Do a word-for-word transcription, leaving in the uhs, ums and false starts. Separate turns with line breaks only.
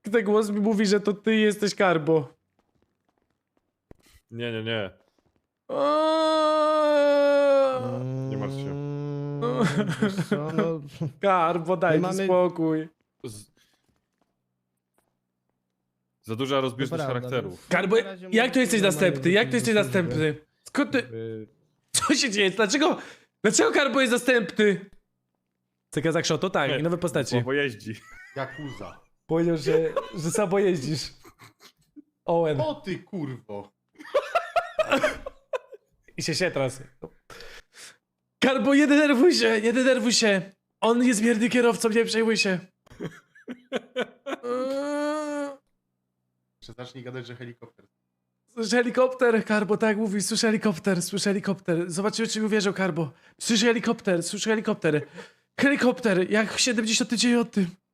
ten głos mi mówi, że to ty jesteś Karbo.
Nie, nie, nie. Nie martw się.
Mm, wiesz co, no,
Karbo, daj
My
mi
mamy-
spokój.
Z... Za duża rozbieżność
prawda,
charakterów.
Karbo,
Na razie
jak
mówię,
to jesteś
że normalnie
następny? Jak to
wrócić
jesteś
do służby.
następny? Skąd ty...
Y,
Co się dzieje? Dlaczego... Dlaczego Karbo jest następny? Cyka Zakrzoto? Tak, i nowe postaci.
Słabo jeździ.
Jakuza.
Powiedział, że, że słabo jeździsz. Owen.
O ty kurwo.
I się się teraz. Karbo, nie denerwuj się, nie denerwuj się. On jest mierny kierowcą, nie przejmuj się. Eee,
Jeszcze zacznij gadać, że helikopter.
Słyszę helikopter, Karbo, tak mówi, słyszę helikopter, słyszę helikopter. Zobaczymy, czy mi uwierzą, Karbo. Słyszę helikopter, słyszę helikopter. Helikopter, jak w siedemdziesiątym dziewiątym.